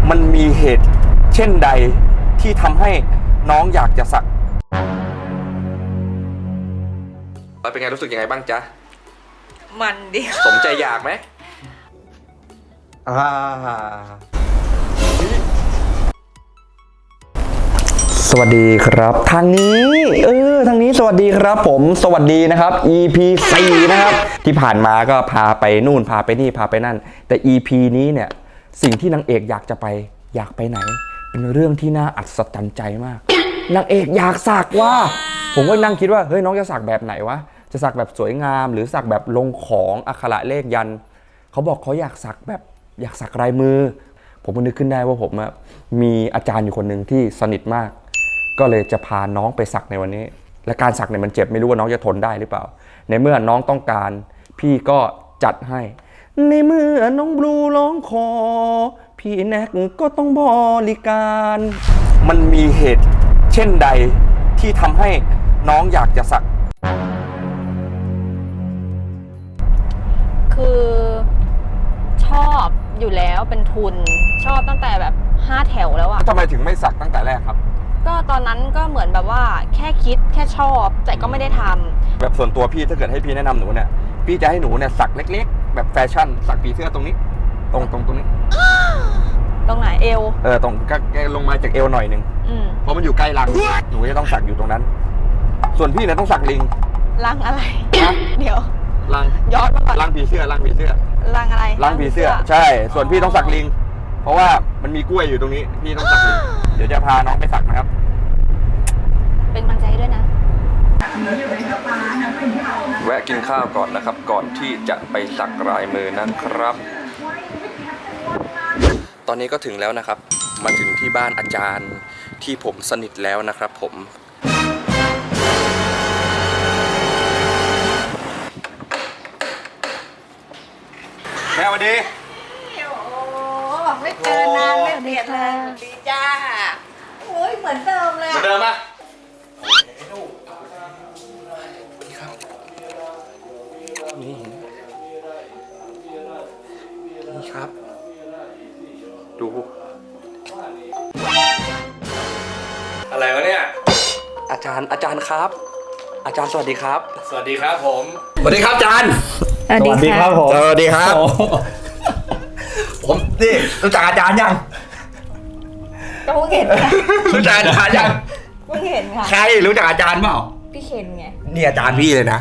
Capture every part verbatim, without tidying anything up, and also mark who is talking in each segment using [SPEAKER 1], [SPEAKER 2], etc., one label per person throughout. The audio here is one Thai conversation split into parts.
[SPEAKER 1] มันมีเหตุเช่นใดที่ทำให้น้องอยากจะสักแล้วเป็นไงรู้สึกยังไงบ้างจ๊ะ
[SPEAKER 2] มันดิ
[SPEAKER 1] สมใจอยากไหมอ่าสวัสดีครับทางนี้เออทางนี้สวัสดีครับผมสวัสดีนะครับ อี พี สี่นะครับที่ผ่านมาก็พาไปนู่นพาไปนี่พาไปนั่นแต่ อี พี นี้เนี่ยสิ่งที่นางเอกอยากจะไปอยากไปไหนเป็นเรื่องที่น่าอัศจรรย์ใจมากนางเอกอยากสักว่าผมก็นั่งคิดว่าเฮ้ยน้องจะสักแบบไหนวะจะสักแบบสวยงามหรือสักแบบลงของอักขระเลขยันเขาบอกเขาอยากสักแบบอยากสักลายมือผมก็นึกขึ้นได้ว่าผมมีอาจารย์อยู่คนหนึ่งที่สนิทมากก็เลยจะพาน้องไปสักในวันนี้และการสักเนี่ยมันเจ็บไม่รู้ว่าน้องจะทนได้หรือเปล่าในเมื่อน้องต้องการพี่ก็จัดให้ในเมื่อน้องบลูร้องขอพี่แน็กก็ต้องบริการมันมีเหตุเช่นใดที่ทำให้น้องอยากจะสัก
[SPEAKER 2] คือชอบอยู่แล้วเป็นทุนชอบตั้งแต่แบบห้าแถวแล้วอะ
[SPEAKER 1] ทำไมถึงไม่สักตั้งแต่แรกครับ
[SPEAKER 2] ก็ตอนนั้นก็เหมือนแบบว่าแค่คิดแค่ชอบแต่ก็ไม่ได้ทำ
[SPEAKER 1] แบบส่วนตัวพี่ถ้าเกิดให้พี่แนะนำหนูเนี่ยพี่จะให้หนูเนี่ยสักเล็กๆแบบแฟชั่นสักผีเสื้อตรงนี้ตรงตรงตรงนี้
[SPEAKER 2] ตรงไหนเอว
[SPEAKER 1] เออตรงก็ลงมาจากเอวหน่อยนึงเพราะมันอยู่ใกล้รังหนูจะต้องสักอยู่ตรงนั้นส่วนพี่เนี่ยต้องสักลิง
[SPEAKER 2] รังอะไรเดี๋ยว
[SPEAKER 1] รัง
[SPEAKER 2] ย้อนมาก่อน
[SPEAKER 1] รังผีเสื้อรังผีเสื้อ
[SPEAKER 2] รังอะไร
[SPEAKER 1] รังผีเสื้อใช่ส่วนพี่ต้องสักลิงเพราะว่ามันมีกล้วยอยู่ตรงนี้พี่ต้องสักลิงเดี๋ยวจะพาน้องไปสักนะครับ
[SPEAKER 2] เป็นกำลังใจด้วยนะ
[SPEAKER 1] แวะกินข้าวก่อนนะครับก่อนที่จะไปสักลายมือนะครับตอนนี้ก็ถึงแล้วนะครับมาถึงที่บ้านอาจารย์ที่ผมสนิทแล้วนะครับผมแม่สวัสดี
[SPEAKER 3] โอ้ไม่เจอนานไม่เปลี่ยนเลยดีจ้าโอ้ยเหมือนเดิมเลย
[SPEAKER 1] เหมือนเดิมปะนี่นี่ครับดูอะไรวะเนี่ยอาจารย์อาจารย์ครับอาจารย์สวัสดีครับ
[SPEAKER 4] สวัสดีครับผม
[SPEAKER 1] สวัสดีครับอาจารย์
[SPEAKER 2] สวัสดีครับ
[SPEAKER 4] ผม
[SPEAKER 1] สวัสดีครับผมนี่รู้จักอาจารย์ยัง
[SPEAKER 3] ก็เพิ่งเห็น
[SPEAKER 1] รู้จักอาจารย์ยัง
[SPEAKER 3] เพิ่งเห็นค่ะ
[SPEAKER 1] ใครรู้จักอาจารย์เปล่า
[SPEAKER 3] พี่เคนไง
[SPEAKER 1] นี่อาจารย์พี่เลยนะ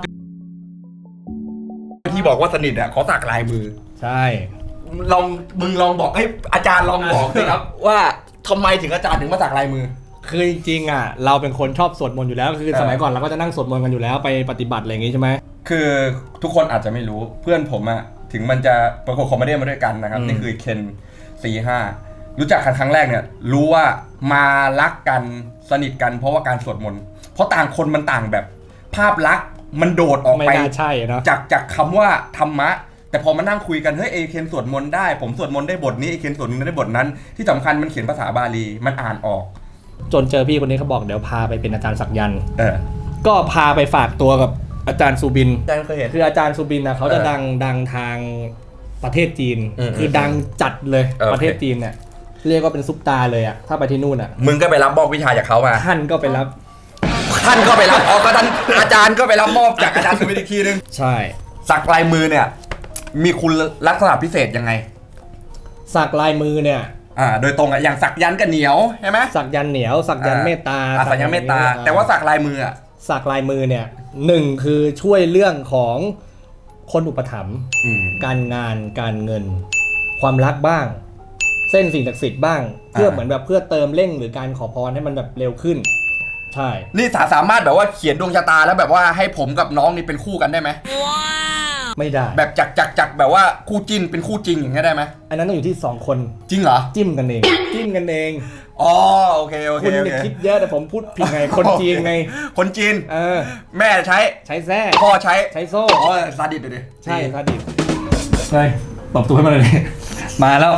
[SPEAKER 1] ที่บอกว่าสนิทอ่ะเขาสักลายมือ
[SPEAKER 4] ใช่
[SPEAKER 1] ลองมึงลองบอกให้อาจารย์ลองบอกสิครับว่าทำไมถึงอาจารย์ถึงมาสักลายมือ
[SPEAKER 4] คือจริงๆอ่ะเราเป็นคนชอบสวดมนต์อยู่แล้วคือสมัยก่อนเราก็จะนั่งสวดมนต์กันอยู่แล้วไปปฏิบัติอะไรอย่างงี้ใช่ไหม
[SPEAKER 1] คือทุกคนอาจจะไม่รู้เพื่อนผมอ่ะถึงมันจะประกวดคอมเมดี้มาด้วยกันนะครับนี่คือเคนสี่ห้ารู้จักกันครั้งแรกเนี่ยรู้ว่ามารักกันสนิทกันเพราะว่าการสวดมนต์เพราะต่างคนมันต่างแบบภาพลักษณ์มันโดดออกไป
[SPEAKER 4] ใช่เนาะ
[SPEAKER 1] จากจากคำว่าธรรมะแต่พอมานั่งคุยกันเฮ้ยเอเคนสวดมนต์ได้ผมสวดมนต์ได้บทนี้เอเคนสวดมนต์ได้บทนั้นที่สำคัญมันเขียนภาษาบาลีมันอ่านออก
[SPEAKER 4] จนเจอพี่คนนี้เขาบอกเดี๋ยวพาไปเป็นอาจารย์สักยันต์
[SPEAKER 1] เออ
[SPEAKER 4] ก็พาไปฝากตัวกับอาจารย์สุบิน
[SPEAKER 1] อาจารย์เคยเห็น
[SPEAKER 4] คืออาจารย์สุบินนะเขาจะดังดังทางประเทศจีนคือดังจัดเลยประเทศจีนเนี่ยเรียกว่าเป็นซุปตาเลยอ่ะถ้าไปที่นู่นอ่ะ
[SPEAKER 1] มึงก็ไปรับมอบวิชาจากเขามา
[SPEAKER 4] ท่านก็ไปรับ
[SPEAKER 1] ท่านก็ไปรับอ๋อก็ท่านอาจารย์ก็ไปรับมอบจากอาจารย์สุวิทย์อีกทีนึง
[SPEAKER 4] ใช่
[SPEAKER 1] สักลายมือเนี่ยมีคุณลักษณะพิเศษยังไง
[SPEAKER 4] สักลายมือเนี่ย
[SPEAKER 1] อ่าโดยตรงอ่ะอย่างสักยันต์กับเหนียวใช่ไหม
[SPEAKER 4] สักยันต์เหนียวสักยันต์เมตตา
[SPEAKER 1] สักยันต์เมตตาแต่ว่าสักลายมืออ่ะ
[SPEAKER 4] สักลายมือเนี่ยหนึ่งคือช่วยเรื่องของคนอุปถัมภ์การงานการเงินความรักบ้างเส้นสิ่งศักดิ์สิทธิ์บ้างเพื่อเหมือนแบบเพื่อเติมเร่งหรือการขอพรให้มันแบบเร็วขึ้นใช่
[SPEAKER 1] นี่สาสามารถแบบว่าเขียนดวงชะตาแล้วแบบว่าให้ผมกับน้องนี่เป็นคู่กันได้ไหม
[SPEAKER 4] ว้าวไม่ได้
[SPEAKER 1] แบบจักจักจักแบบว่าคู่จิ้นเป็นคู่จริงอย่างเงี้ยได้ไหม
[SPEAKER 4] อันนั้นต้องอยู่ที่สองคน
[SPEAKER 1] จริงเหรอ
[SPEAKER 4] จิ้มกันเองจิ้มกันเอง
[SPEAKER 1] อ๋อโอเคโอเค
[SPEAKER 4] คุณคิดเยอะแต่ผมพูดผิดไงคนจีนไง
[SPEAKER 1] คนจีน
[SPEAKER 4] เออ
[SPEAKER 1] แม่ใช้
[SPEAKER 4] ใช้แส้
[SPEAKER 1] พ่อใช้
[SPEAKER 4] ใช้โซ่
[SPEAKER 1] อ๋อซาดิสเลย
[SPEAKER 4] ใช่ซาดิสเฮ้ยตบตัวให้มาเลยมาแล้ว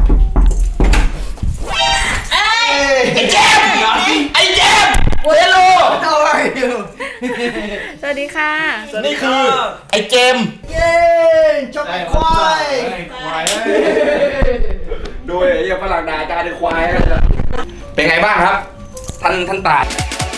[SPEAKER 1] ไอ้เจมไอ้เจมเฮลโลทำไม
[SPEAKER 2] สวัสดีค่ะ
[SPEAKER 1] นี่คือไอ้เจม
[SPEAKER 3] เย้จบควาย
[SPEAKER 4] ควาย
[SPEAKER 1] ดูไอ้เหี้ยฝรั่งด่าอาจารย์ในควายเป็นไงบ้างครับ ท่านท่านตาย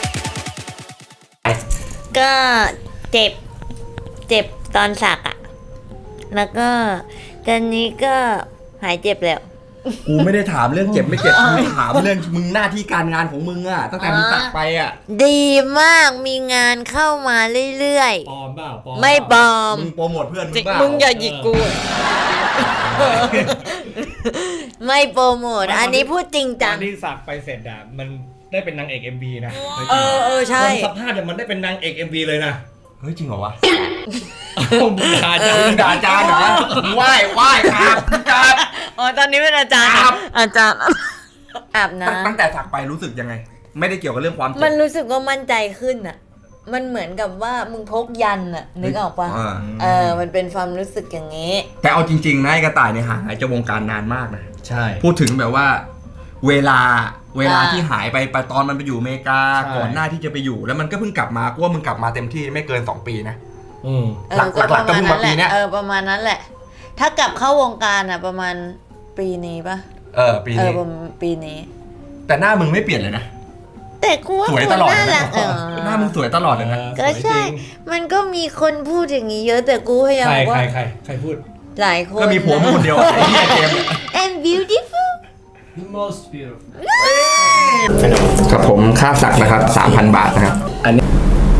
[SPEAKER 3] ก็เจ็บ เจ็บตอนสักอะแล้วก็ตอนนี้ก็หายเจ็บแล้ว
[SPEAKER 1] กูไม่ได้ถามเรื่องเจ็บไม่เจ็บกูถามเรื่องมึงหน้าที่การงานของมึงอะตั้งแต่มึงตักไปอะ
[SPEAKER 3] ดีมากมีงานเข้ามาเรื่อย
[SPEAKER 4] ปลอมเปล่าปลอม
[SPEAKER 3] ๆ ไม่ปลอม
[SPEAKER 1] มึงโปรโมทเพื่อนมึงบ้า
[SPEAKER 2] มึงอย่าหยิกกู
[SPEAKER 3] ไม่โปรโมทอันนี้พูดจริง
[SPEAKER 4] ต
[SPEAKER 3] จั
[SPEAKER 4] อง นที่สักไปเสร็จอะมันได้เป็นนางเอก เอ็ม วี นะ
[SPEAKER 3] เออเออใช่
[SPEAKER 4] คนสภาพเนี่ยมันได้เป็นนางเอก เอ็ม วี เลยนะ
[SPEAKER 1] เฮ้ยจริงเหรอวะ
[SPEAKER 4] มึงด่าจ้า
[SPEAKER 1] มึงด่าอาจารย์เหรอมึงไหว้ไหว้ครับครับ
[SPEAKER 3] อ๋อตอนนี้เป็นอาจารย์
[SPEAKER 1] ครับ
[SPEAKER 3] อาจารย์อาบ
[SPEAKER 1] ตั้งตั้ง
[SPEAKER 3] น้ำ
[SPEAKER 1] แต่สักไปรู้สึกยังไง ไม่ได้เกี่ยวกับเรื่องความเจ็
[SPEAKER 3] มัน
[SPEAKER 1] บ
[SPEAKER 3] รู้สึกว่ามั่นใจขึ้นอ่ะ มันเหมือนกับว่ามึงพกยันอ่ะนึกออกปะ
[SPEAKER 1] อ่า
[SPEAKER 3] เออมันเป็นความรู้สึกอย่างนี้
[SPEAKER 1] แต่เอาจริงๆนะไอ้กระต่ายเนี่ยห่างหายจากวงการนานมากนะ
[SPEAKER 4] ใช่
[SPEAKER 1] พูดถึงแบบว่า เวลาเวลา
[SPEAKER 3] อ่า
[SPEAKER 1] ที่หายไปไปตอนมันไปอยู่อเมริกา
[SPEAKER 4] ใช่
[SPEAKER 1] ก่อนหน้าที่จะไปอยู่ แล้วมันก็เพิ่งกลับมากูว่ามึงกลับมาเต็มที่ไม่เกินสองปีนะ
[SPEAKER 4] อืม
[SPEAKER 3] เออ
[SPEAKER 1] หลัก
[SPEAKER 3] ก็
[SPEAKER 1] หลักๆก็เพิ่งมาปีเนี้ย
[SPEAKER 3] เออประมาณนั้นแหละ ถ้ากลับเข้าวงการอ่ะ ประมาณปีนี้ปะ
[SPEAKER 1] เออปี
[SPEAKER 3] เออ
[SPEAKER 1] นี้
[SPEAKER 3] ประมาณปีนี้
[SPEAKER 1] แต่หน้ามึงไม่เปลี่ยนเลยนะ
[SPEAKER 3] แต่กูว่า
[SPEAKER 1] สวย
[SPEAKER 3] กู
[SPEAKER 1] ตลอด
[SPEAKER 3] น่า
[SPEAKER 1] เลย
[SPEAKER 3] รั
[SPEAKER 1] นะ
[SPEAKER 3] กเออ
[SPEAKER 1] หน้ามึงสวยตลอดเลยนะ
[SPEAKER 3] ก็ใช่ มันก็มีคนพูดอย่างนี้เยอะแต่กูพยายาม
[SPEAKER 4] ใคร
[SPEAKER 3] บอก
[SPEAKER 4] ใคร
[SPEAKER 3] ว่า
[SPEAKER 4] ใครใครพูด
[SPEAKER 3] หลายคน
[SPEAKER 1] ก็มีผัวมึงคนเดียวไอ้เหี้ยเจมส์
[SPEAKER 3] and beautiful
[SPEAKER 4] The most beautiful
[SPEAKER 1] ครับผมค่าสักนะครับ สามพัน บาทนะครับ อันนี้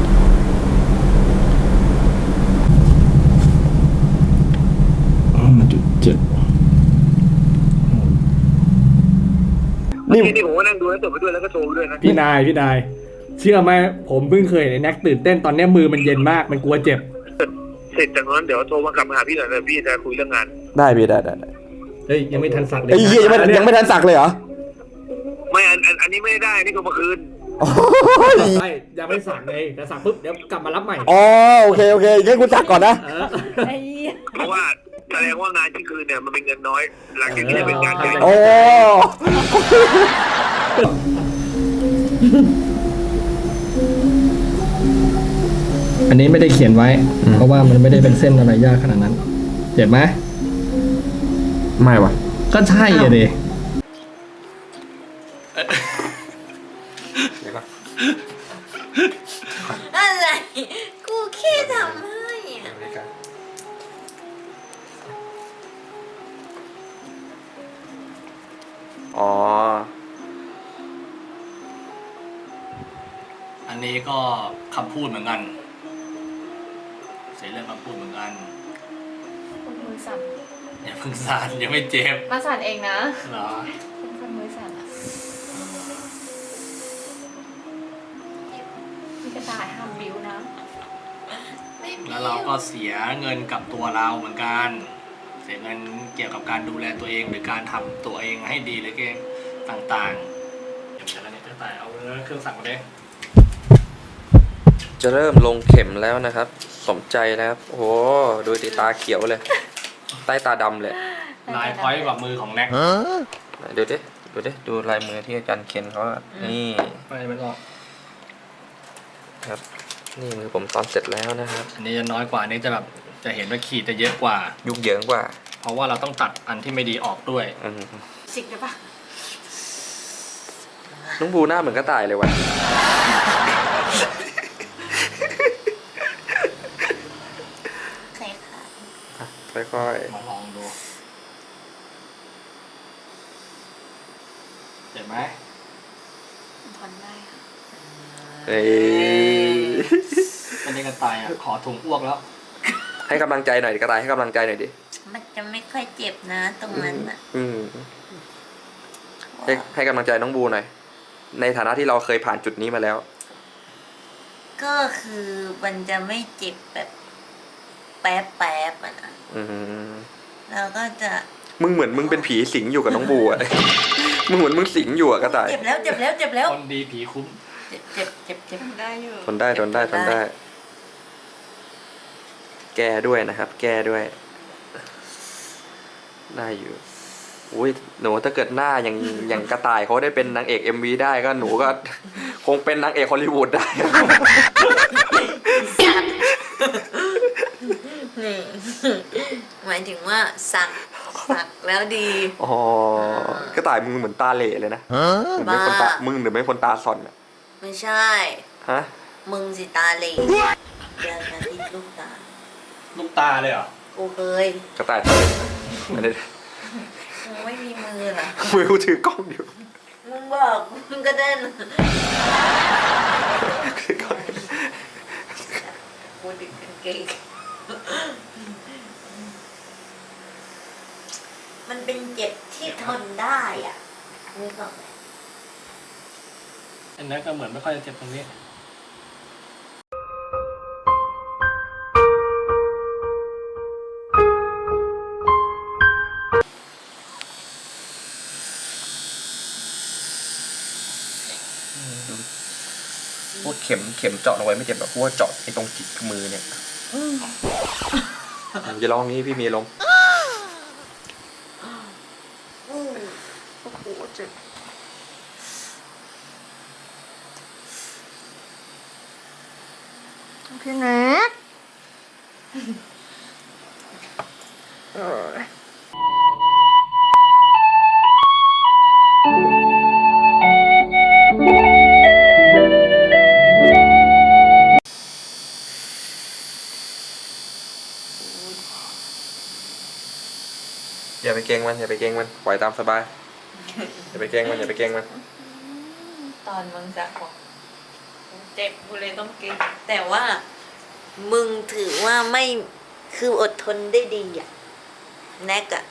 [SPEAKER 1] จุดจุดนี่
[SPEAKER 5] นี่ผมก็นั่งดูแล้วจบไปด้วยแล้วก็โชว์ไปด้วยนะ
[SPEAKER 4] พี่นายพี่นาย เชื่อไหมผมเพิ่งเคยเห็นไอ้แน็กตื่นเต้นตอนเนี้ยมือมันเย็นมากมันกลัวเจ็บ
[SPEAKER 5] เสร็จจากนั้นเดี๋ยวโทรมากลับมาหาพี่หน่อยนะพี่จะคุยเรื่องงาน
[SPEAKER 1] ได้พี่ได้ได้ได้
[SPEAKER 4] เฮ้ยยังไม่ทันสักเลย
[SPEAKER 1] ไอ้เหี้ยยังไม่ยังไม่ทันสักเลยเหรอ
[SPEAKER 5] ไม่อันอันอันนี้ไม่ได้อันนี่ก็เมื่อคืน
[SPEAKER 4] ใช่ยังไม่สักเลยแต่สักปุ๊บเดี๋ยวกลับมารับใหม่
[SPEAKER 1] อ๋อโอเคโอเคงั้นกูสักก่อนนะ
[SPEAKER 4] เออ
[SPEAKER 3] ไอ้เหี้ย
[SPEAKER 5] เพราะว่าแสดงว่างานที่คืนเนี่ยมันเป็นเงินน้อย หลังจากนี้จะเป็นงานใหญ่
[SPEAKER 1] โอ้
[SPEAKER 4] อันนี้ไม่ได้เขียนไว้ เพราะว่ามันไม่ได้เป็นเส้นอะไรยากขนาดนั้น เจ็บไหม
[SPEAKER 1] ไม่วะ
[SPEAKER 4] ก็ใช่อะดิ
[SPEAKER 3] อะไร กูแค่ทำให้อะ
[SPEAKER 1] อ๋อ
[SPEAKER 4] อันนี้ก็คำพูดเหมือนกันเสียเรื่องคำพูดเหมือนกัน
[SPEAKER 2] คุณมือสั่น
[SPEAKER 4] อย่าเพิ่งสั่นยังไม่เจ็บ
[SPEAKER 2] มาสั่นเองนะ
[SPEAKER 4] เหรอ
[SPEAKER 2] คุณสั่นมือสั่นอะพี่กระต่ายห้ามบิ้วนะ
[SPEAKER 4] แล้วเราก็เสียเงินกับตัวเราเหมือนกัน เสียเงินเกี่ยวกับการดูแลตัวเองหรือการทำตัวเองให้ดีหรือเก่งต่างๆเดี๋ยวนี้จะตายเอาเครื่องสั่งมาเด้
[SPEAKER 1] จะเริ่มลงเข็มแล้วนะครับ สมใจนะครับ โอ้โหดูติตาเขียวเลย ใต้ตาดำเลย
[SPEAKER 4] ลายพอยต์กว่ามือของแน็ก
[SPEAKER 1] ดูดิ ดูดิ ดูลายมือที่อาจารย์เขียนเขาอะนี่
[SPEAKER 4] ไม่ไม่ออก
[SPEAKER 1] ครับ นี่มือผมตอนเสร็จแล้วนะครับ
[SPEAKER 4] อันนี้จะน้อยกว่าอันนี้จะแบบจะเห็นว่าขีดจะเยอะกว่า
[SPEAKER 1] ยุกเหยิงกว่า
[SPEAKER 4] เพราะว่าเราต้องตัดอันที่ไม่ดีออกด้วย
[SPEAKER 1] อืม
[SPEAKER 2] สิกได้ปะ
[SPEAKER 1] น้องบูหน้าเหมือนกระต่ายเลยว่ะ
[SPEAKER 3] ใครคะ
[SPEAKER 1] ค่อย
[SPEAKER 4] มาลองดูเจ็บไหม
[SPEAKER 2] ทนได้ค่ะ
[SPEAKER 1] ๆเอ้ย
[SPEAKER 4] เป็นยังกระต่ายอ่ะขอถุงอ้วกแล้ว
[SPEAKER 1] ให้กำลังใจหน่อยดิกระต่ายให้กำลังใจหน่อยดิ
[SPEAKER 3] มันจะไม่ค่อยเจ็บนะตรงนั้นอ่ะ
[SPEAKER 1] อืมให้ให้กำลังใจน้องบูหน่อย ในฐานะที่เราเคยผ่านจุดนี้มาแล้ว
[SPEAKER 3] ก็คือมันจะไม่เจ็บแบบแป๊บแป๊บๆอะนะ
[SPEAKER 1] อืม
[SPEAKER 3] แล้วก็จะ
[SPEAKER 1] มึงเหมือนมึงเป็นผีสิงอยู่กับน้องบูอะ มึงเหมือนมึงสิงอยู่อะกระต่าย
[SPEAKER 3] เจ็บแล้วเจ็บแล้วเจ็บแล้ว
[SPEAKER 4] คนดีผีคุ้ม
[SPEAKER 3] เจ็บเจ็บเจ็บเจ็บ
[SPEAKER 2] ทนได้อยู่
[SPEAKER 1] ทนได้ทนได้ทนได้ แก้ด้วยนะครับ แก้ด้วย ได้อยู่ อุ้ยหนูถ้าเกิดหน้าอย่างอย่างกระต่ายเขาได้เป็นนางเอก เอ็ม วี ได้ก็หนูก็ คงเป็นนางเอกฮอลลีวูดได้
[SPEAKER 3] นี่ หมายถึงว่าสักสักแล้วดี
[SPEAKER 1] อ๋อกระต่ายมึงเหมือนตาเหล่เลยนะมึงเป็นคนตา
[SPEAKER 3] บ้ามึ
[SPEAKER 1] มึงหรือไม่คนตาซอนอะ
[SPEAKER 3] ไม่ใช่
[SPEAKER 1] ฮะ
[SPEAKER 3] มึงสิตาเหล่อยากจะติดลูกตา
[SPEAKER 4] ลูกตาเลยเหรอ
[SPEAKER 3] กูเคย
[SPEAKER 1] กระต่ายตาเหล่ไม่ได้
[SPEAKER 3] มึงไม่มีมือเหรอ
[SPEAKER 1] มือกูถือกล้องอยู่
[SPEAKER 3] มึงบอกมึงก็เดิน
[SPEAKER 1] ถือกล้อง
[SPEAKER 3] กูดึกกางเกงมันเป็นเจ็บที่ทนได้อ่ะนึกออกไหม
[SPEAKER 4] อันนั้นก็เหมือนไม่ค่อยจะเจ็บตรงนี้
[SPEAKER 1] พวกเข็มเข็มเจาะลงไปไม่เจ็บแบบพวกเจาะไอ้ตรงจิกมือเนี่ยจะลองนี้พี่มีลง
[SPEAKER 3] อืมโอ้โหเจ็บ
[SPEAKER 2] พี่แน็ก
[SPEAKER 1] อย่าไปเกรงมันอย่าไปเกรงมันปล่อยตามสบายอย่าไปเกรงมันอย่าไปเกรงมัน
[SPEAKER 3] ตอนมึงสักบอกเจ็บกูเลยต้องเก่งแต่ว่า มึงถือว่าไม่คืออดทนได้ดีอ่ะแน็กอ่ะ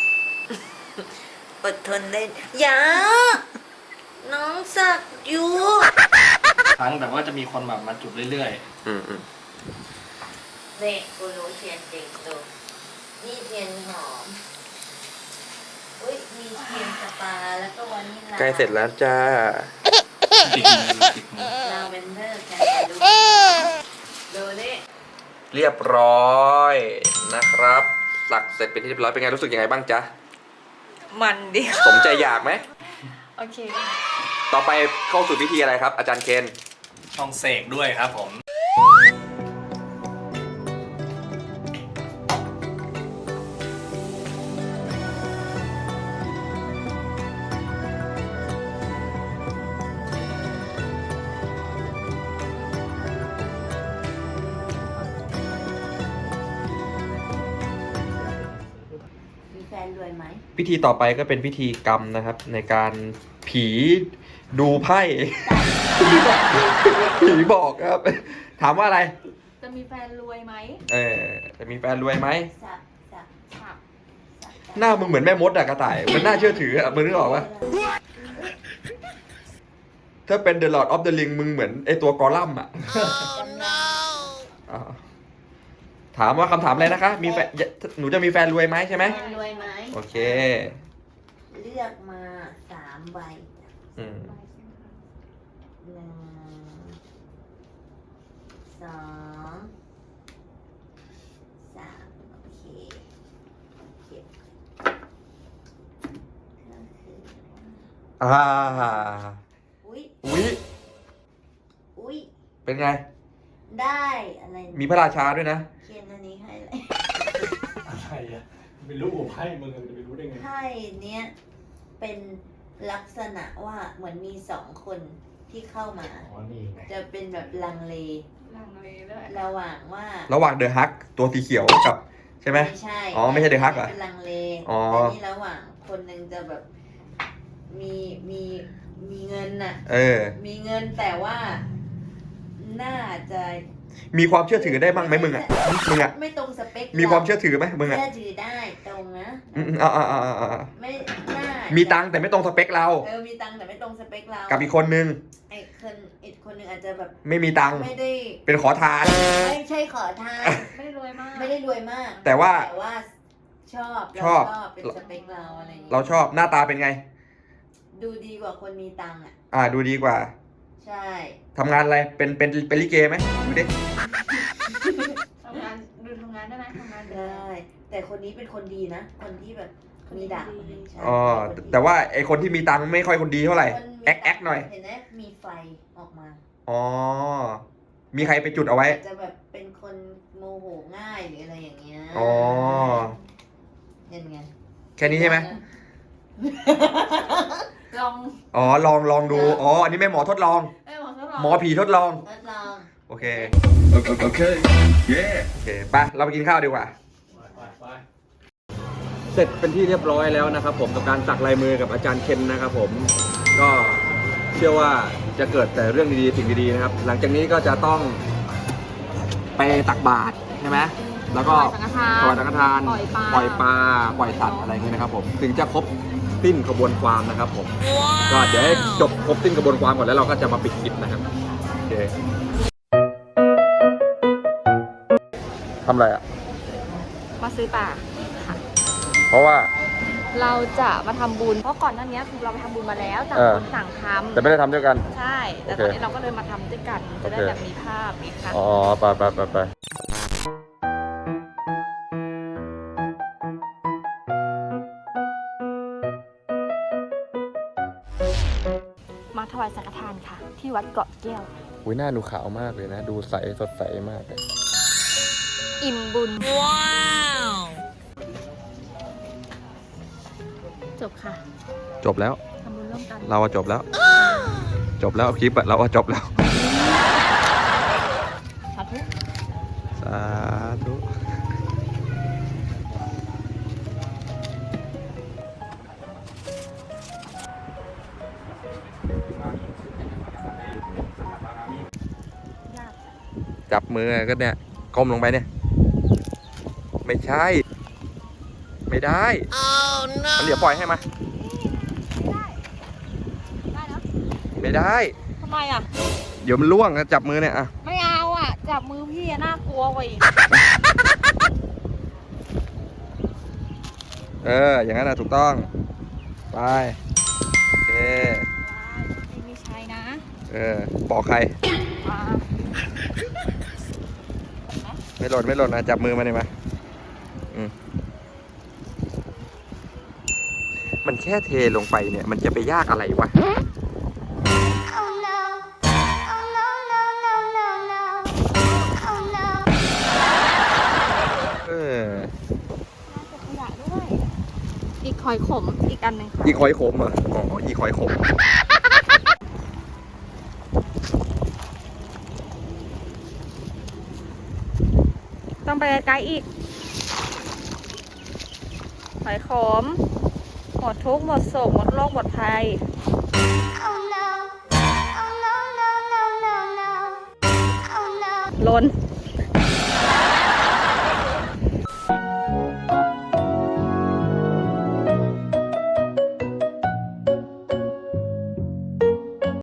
[SPEAKER 3] อดทนได้อย่าน้องสักอยู่
[SPEAKER 4] ครั้งแบบว่าจะมีคนแบบมาจุดเรื่อย
[SPEAKER 1] อืมอืม
[SPEAKER 3] นี่กูรู้เทียนจริงดูนี่เทียนหอมอุ้ยมีเทียนสปาแล้วก็วานิลลา
[SPEAKER 1] ใกล้เสร็จแล้วจ้า
[SPEAKER 4] ๆติดมือติดมือ
[SPEAKER 3] ลาเวนเดอร์กันดูดูนี่
[SPEAKER 1] เรียบร้อยนะครับสักเสร็จเป็นที่เรียบร้อยเป็นไงรู้สึกยังไงบ้างจ๊ะ
[SPEAKER 3] มันดิ
[SPEAKER 1] สมใจอยากไหม
[SPEAKER 2] โอเค
[SPEAKER 1] ต่อไปเข้าสู่พิธีอะไรครับ อาจารย์เคน
[SPEAKER 4] ช่องเสกด้วยครับผม
[SPEAKER 3] มีแฟนรวยไหม
[SPEAKER 1] พิธีต่อไปก็เป็นพิธีกรรมนะครับ ในการผีดูไพ่ ผีบอกครับ ถามว่าอะไร
[SPEAKER 2] จะมีแฟนรวยไหม
[SPEAKER 1] เออจะมีแฟนรวยไหม
[SPEAKER 3] สักสัก
[SPEAKER 2] ค่ะ
[SPEAKER 3] สัก
[SPEAKER 1] หน้ามึงเหมือนแม่มดอะกระต่ายมันน่าเชื่อถืออะมึงนึกออกปะถ้าเป็น The Lord of the Ring มึงเหมือนไอตัวกอลัมน์อะ
[SPEAKER 3] จำนอง
[SPEAKER 1] อ่าถามว่าคำถามอะไรนะคะ มีแฟนหนูจะมีแฟนรวยไหมใช่ไหม
[SPEAKER 3] แฟนรวยไหม
[SPEAKER 1] โอเค
[SPEAKER 3] เลือกมาสามใบจ้ะ
[SPEAKER 1] อืม
[SPEAKER 3] หนึ่งสองสามโอเคเก็บก็คือ
[SPEAKER 1] อ่า
[SPEAKER 3] อุ้ย
[SPEAKER 1] อุ๊ย
[SPEAKER 3] อุ้ย
[SPEAKER 1] เป็นไง
[SPEAKER 3] ได้อะไร
[SPEAKER 1] มีพระราชาด้วยนะ
[SPEAKER 3] เขียนอันนี้ให้เลย
[SPEAKER 4] อะไรอ่ะไม่รู้ไพ่มึงจะไปรู้ได้ไง
[SPEAKER 3] ไพ่เนี้ยเป็นลักษณะว่าเหมือนมีสองคนที่เข้ามา
[SPEAKER 4] อ๋อ นี่ไง
[SPEAKER 3] จะเป็นแบบลังเล
[SPEAKER 2] ลังเลด้วย
[SPEAKER 3] ระหว่างว่า
[SPEAKER 1] ระหว่างเดอะฮักตัวสีเขียวกับใช่ไหม
[SPEAKER 3] ไม่ใช่
[SPEAKER 1] อ๋อไม่ใช่ The Hug เหรอ
[SPEAKER 3] เป็นลังเล
[SPEAKER 1] อ๋อ
[SPEAKER 3] แต่นี่ระหว่างคนหนึ่งจะแบบมีมีมีเงินน่ะ
[SPEAKER 1] เออ
[SPEAKER 3] มีเงินแต่ว่าน่าจะ
[SPEAKER 1] มีความเชื่อถือได้บ้างไหมมึงอ่ะ มึงอ่ะ
[SPEAKER 3] ไม่ตรงสเปค
[SPEAKER 1] มีความเชื่อถือไหมมึงอ่ะ
[SPEAKER 3] เชื่อถือได้ตรงนะ
[SPEAKER 1] อืมอ่าอ่าอ่าอ่า
[SPEAKER 3] ไม่น่า
[SPEAKER 1] มี
[SPEAKER 3] มี
[SPEAKER 1] ตังค์แต่ไม่ตรงสเปคเรา
[SPEAKER 3] เออมีตังค์แต่ไม่ตรงสเปคเรา
[SPEAKER 1] กับอีกคนนึง
[SPEAKER 3] ไอ้คนอีกคนหนึ่งอาจจะแบบ
[SPEAKER 1] ไม่มีตังค์
[SPEAKER 3] ไม่ได้
[SPEAKER 1] เป็นขอทาน
[SPEAKER 3] ไม่ใช่ขอทาน
[SPEAKER 2] ไม่ได้รวยมาก
[SPEAKER 3] ไม่ได้รวยมาก
[SPEAKER 1] แต่ว่า
[SPEAKER 3] แต่ว่าชอบ
[SPEAKER 1] ชอบ
[SPEAKER 3] เราชอบเป็นสเปคเราอะไรอย่างเงี้ย
[SPEAKER 1] เราชอบหน้าตาเป็นไง
[SPEAKER 3] ดูดีกว่าคนมีตังค์อ่ะ
[SPEAKER 1] อ่าดูดีกว่า
[SPEAKER 3] ใช่
[SPEAKER 1] ทำงานอะไร เป็นเป็นเป็นลิเกไหมดูดิ
[SPEAKER 2] ทำงานดูทำงานได้ไหมทำงาน
[SPEAKER 3] ได้ แต่คนนี้เป็นคนดีนะ คนที่แบบมีดาบคนหนึ่งใช่
[SPEAKER 1] อ๋อ
[SPEAKER 3] คนดี
[SPEAKER 1] แต่ว่าไอคนที่มีตังค์ไม่ค่อยคนดีเท่าไหร่
[SPEAKER 3] คนมี
[SPEAKER 1] แอคแอคหน่อย
[SPEAKER 3] เห็นไหมมีไฟออกมา
[SPEAKER 1] อ๋อ มีใครไปจุดเอาไว้
[SPEAKER 3] จะแบบเป็นคนโมโหง่ายหรืออะไรอย่างเงี้ย
[SPEAKER 1] อ๋อ
[SPEAKER 3] เห็นไง
[SPEAKER 1] แค่นี้ใช่ไหม
[SPEAKER 2] ลอง
[SPEAKER 1] อ๋อลองลองดูอ๋ออันนี้แม่หมอทดลอง
[SPEAKER 2] เอ้ยหมอทดลอง
[SPEAKER 1] หมอผีทดลอง
[SPEAKER 3] ทดลอง
[SPEAKER 1] โอเคโอเคโอเคไปเราไปกินข้าวดีกว่า เสร็จเป็นที่เรียบร้อยแล้วนะครับผมกับการสักลายมือกับอาจารย์เคนนะครับผมก็เชื่อว่าจะเกิดแต่เรื่องดีๆสิ่งดีๆนะครับหลังจากนี้ก็จะต้องไปตักบาตรใช่ไหมแล้วก็ถวายสังฆทาน
[SPEAKER 2] ปล่อยปลา
[SPEAKER 1] ปล่อยปลาปล่อยสัตว์อะไรอย่างเงี้ยนะครับผมถึงจะครบสิ้นขบวนความนะครับผมก็เดี๋ยวให้จบครบสิ้นขบวนความก่อนแล้วเราก็จะมาปิดคลิปนะครับโอเคทำอะไรอ่ะ
[SPEAKER 2] มาซื้อปลาค่ะ
[SPEAKER 1] เพราะว่า
[SPEAKER 2] เราจะมาทำบุญเพราะก่อนหน้านี้คือเราไปทำบุญมาแล้วต่าง
[SPEAKER 1] เออ
[SPEAKER 2] คนต่างทำ
[SPEAKER 1] แต่ไม่ได้ทำด้วยกัน
[SPEAKER 2] ใช่ แต่
[SPEAKER 1] โอเค
[SPEAKER 2] ตอนนี้เราก็เลยมาทำด้วยกันจะได้
[SPEAKER 1] โอเค
[SPEAKER 2] แบบมีภาพไงคะ
[SPEAKER 1] อ๋อไปไปไปไป
[SPEAKER 2] มาถวายสังฆทานค่ะ ที่วัดเกาะแก้ว
[SPEAKER 1] อุ้ยหน้าดูขาวมากเลยนะ ดูใสสดใสมากเลย
[SPEAKER 2] อิ่มบุญ
[SPEAKER 3] ว้าว
[SPEAKER 2] จบค่ะ
[SPEAKER 1] จบแล้ว
[SPEAKER 2] ทำบุญร่วมกัน
[SPEAKER 1] เราอะจบแล้ว จบแล้วคลิปอะเราอะจบแล้ว
[SPEAKER 2] สาธุ
[SPEAKER 1] สาธุจับมือก็เนี่ยก้มลงไปเนี่ย ไม่ใช่ ไม่ได้
[SPEAKER 3] oh no
[SPEAKER 1] มันเดี๋ยวปล่อยให้มา
[SPEAKER 2] ได้แล้ว
[SPEAKER 1] ไม่ได้
[SPEAKER 2] ทำไมอ่ะ
[SPEAKER 1] เดี๋ยวมันล่วงนะจับมือเนี่ยอะ
[SPEAKER 2] ไม่เอาอ่ะ จับมือพี่อะน่ากลัวกว่าอีก
[SPEAKER 1] เออ อย่างนั้นนะถูกต้อง ไป โอเค
[SPEAKER 2] ไม่มีชัยนะ
[SPEAKER 1] เออบอกใคร
[SPEAKER 2] มา
[SPEAKER 1] ไม่หล่นไม่หล่นนะ จับมือมาเลยมาอืมมันแค่เทลงไปเนี่ย มันจะไปยากอะไรวะ
[SPEAKER 6] Oh no. Oh no, no, no, no, no. Oh no.
[SPEAKER 1] เออ
[SPEAKER 2] ขยะด้วย อีกหอยขมอีกอันหนึ่งค่ะ
[SPEAKER 1] อีคอยขมเหรออ๋อ อีคอยขม
[SPEAKER 2] ต้องไปไกลๆอีก หอยขม หมดทุกข์หมดโศกหมดโรคหมดภัย
[SPEAKER 6] Oh no. Oh no, no, no, no, no. Oh no.
[SPEAKER 2] ลน